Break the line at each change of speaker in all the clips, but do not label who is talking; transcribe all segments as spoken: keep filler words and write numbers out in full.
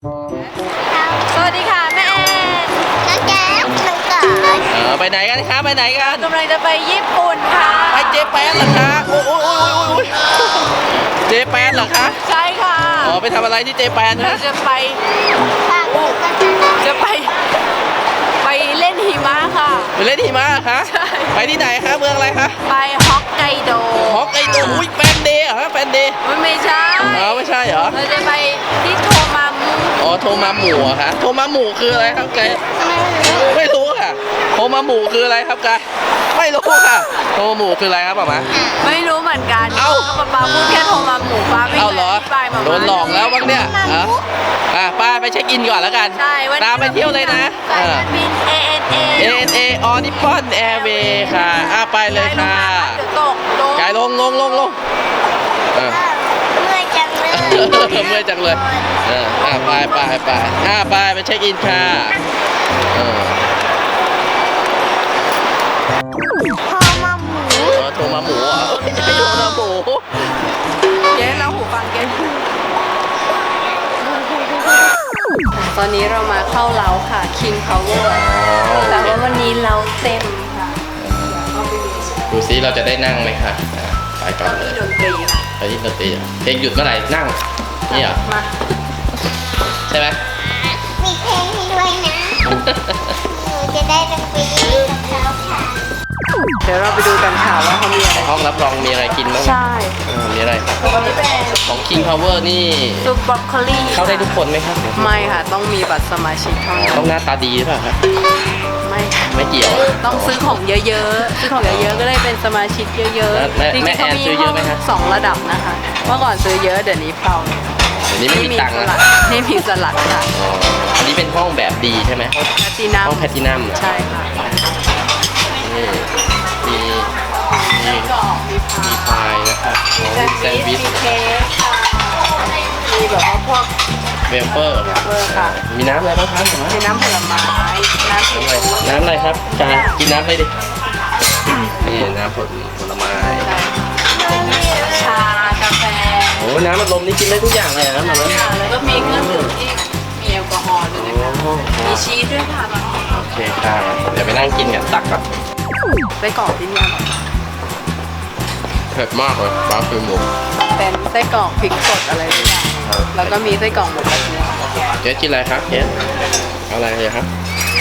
สวัสดีค่ะแม่แอนน้องแก้วน้องกอด
เออไปไหนกันคะไปไหนกัน
กำลังจะไปญี่ปุ่นค่ะ
ไปเจแปนเหรอคะโอ้โอ้โอ้โอ้เจแปนเหรอคะ
ใช่ค่ะ
อ๋อไปทำอะไรที่เจแปนคะ
จะไปจะไปไปเล่นหิมะค่ะ
ไปเล่นหิมะคะ
ใช่
ไปที่ไหนคะเมืองอะไรคะ
ไปฮอกไกโด
ฮอกไกโดอุ้ยแฟนเดย์เหรอแฟนเดย์
มันไม่ใช่
อ๋อไม่ใช่เหรอ
เราจะไปที่โทมามุ
อ๋อโทมาหมู่อะคะโทมาหมู่คืออะไรครับแกไม่รู้ค่ะโทมาหมู่คืออะไรครับแกไม่รู้ค่ะโทมาหมู่คืออะไรครับป๊ามา
ไม่รู้เหมือนกัน
เอ้า
ป๊าป๊าพูดแค่โทมาหมู่ป้าไม่
เคยไปมาโดนหลอกแล้วบ้างเนี่ยอ่ะป้าไปเช็คอินก่อนแล้วกันตามไปเที่ยวเลยนะ
สายการบิน เอ เอ็น เอ
เอ เอ็น เอ ออนิปอนแอร์เวย์ค่ะอ่ะไปเลยค่ะ
เดี๋ยวตกลง
กายลงลงลงลง
เมื่อยจังเลย
เมื่อยจังเลยเอออ่ะไปไปไปอ่ะไปไปเช็คอินค่ะเออ
โทมาหมู
โทมาหมูอ่ะโทมาหมู
เจ๊เราหูฟังเจ๊ตอนนี้เรามาเข้าเล้าค่ะ King Power แต่ว่าวันนี้เราเต็มค่ะ
ดูซิเราจะได้นั่งไหมคะไปก่อนเลย
ดนตรีค่ะ
ไปที่ดนตรีเพลงหยุดเมื่อไหร่นั่งนี่เหรอ
มา
ใช่ไหม
มีเพลงให้ด้วยนะหนูจะได้ดนตรีกับเขาค่ะเดี๋ยวเราไปดูกันค่ะว่าเขามีอะไร
ห้องรับรองมีอะไรกินบ้าง
ใช่
มีอะไรครับของ King Power นี่
ซุปบรอกโคลี
เข้าได้ทุกคนไหมครับ
ไม่ค่ะต้องมีบัตรสมาชิกเท่านั้น
ต้องหน้าตาดีหรือเปล่าครับ
ไม่
ไม่เกี่ยว
ต้องซื้อของเยอะๆซื้อของเยอะๆก็ได้เป็นสมาชิกเยอะ
ๆจริงๆเขามีห้อง
สองระดับนะคะเมื่อก่อนซื้อเยอะเดี๋ยวนี้เปล่า
เดี๋ยวนี้ไม่มีตังค์แล้ว
นี่มีสลัดค่ะ
อันนี้เป็นห้องแบบดีใช่ไหม
แพลตินัม
ห้องแพลตินัม
ใช่ค่ะ
นี่มีมีมีพายนะครับแซนด์วิช
มีเค้กค่ะมีแบบว่าพวก
เวเฟอร์
ค่ะ
มีน้ำอะไรบ้างครับ
มีน้ำผลไม้น้ำอะไร
น้ำอะไรครับจานกินน้ำอะไรดินี่น้ำผลผลไม้
ชากาแฟ
โอ้น้ำมันลมนี่กินได้ทุกอย่างเลยนะมัน
แล้วก็มีเครื่องดื่มที่มีแอลกอฮอล์ด้วยนะคะมีชีสด้วยค่ะ
โอเคค่ะเดี๋ยวไปนั่งกินกันตักกับ
ไส้กรอกที่นี่
เผ็ดมากเลยปลาคือหมู
เป็นไส้กรอกพริกสดอะไรทุกอย่างแล้วก็มีไส้กรอกหมูกระเทียม
เจ๊กินอะไรครับเจ๊เอาอะไรเลยครับ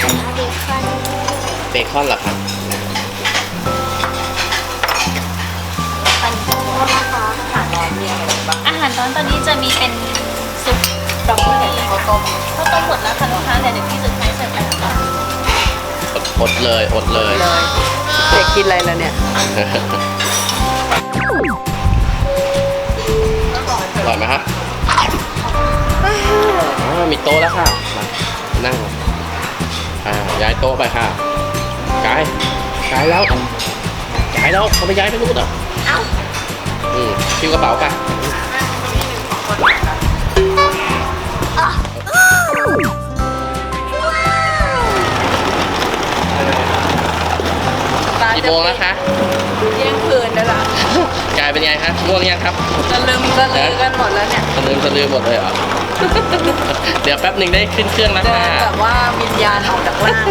เบคอนเหรอครับ
อาหารร้อนตอนนี้จะมีเป็นซุปบรอกโคลีข้าวต้มข้าวต้มหมดแล้วค่ะลูกค้าเดี๋ยวเดี๋ยวพี่สุดท้ายเสิร์ฟไปค่ะ
อดเลยอดเลย
เด็กกินอะไรแล้วเนี่ย
อร่อยไหมฮะมีโต๊ะแล้วค่ะมานั่งย้ายโต๊ะไปค่ะกายกายแล้วย้ายแล้วเขาไปย้ายไปนู่นเหรอเอ้าอืมคิวกระเป๋ากันกี่โมงแล้วคะ
เที่ยงคืนแล้วล่ะ
กายเป็นไงคะง่วงยังครับ
จะลืมจะลืมกันหมดแล้วเนี่ย
จะลืมจะลืมหมดเลยเหรอเดี๋ยวแป๊บหนึ่งได้ขึ้นเครื่องแล้วค่ะ
แบบว่าวิญญาณออกจากร่าง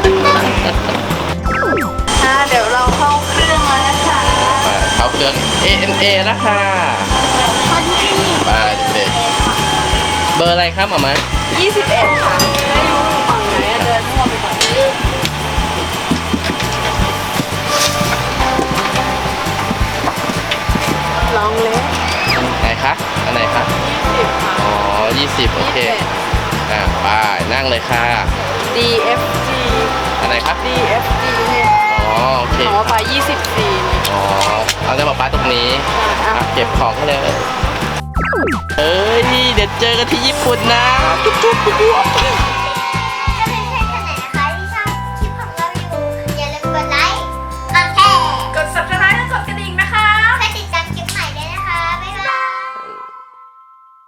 ค่ะเดี๋ยวเราเข้าเครื่องแล้วนะคะ
เข้าเครื่อง เอ เอ็น เอ แล้วค่ะไปเด็กเบอร์อะไรครับหมอมา
ยี่สิบเอ็ดค่ะให้อยู่ฝั่งไหนเดินทั่วไปก่อนลองเล็ก
ไหนคะอันไหนคะอ๋อยี่สิบโอเคอ่าไปนั่งเลยค่ะ
ดี เอฟ จี
อันไหนครับ
ดี เอฟ จี เนี่ย
อ๋อโอเค
ขอไปยี่สิบสี่
อ๋อเอาจะบอกป้าตรงนี้เก็บของเขาเลยเอ้ยเดี๋ยวเจอกันที่ญี่ปุ่นนะจุ๊บจุ๊บจุ๊บ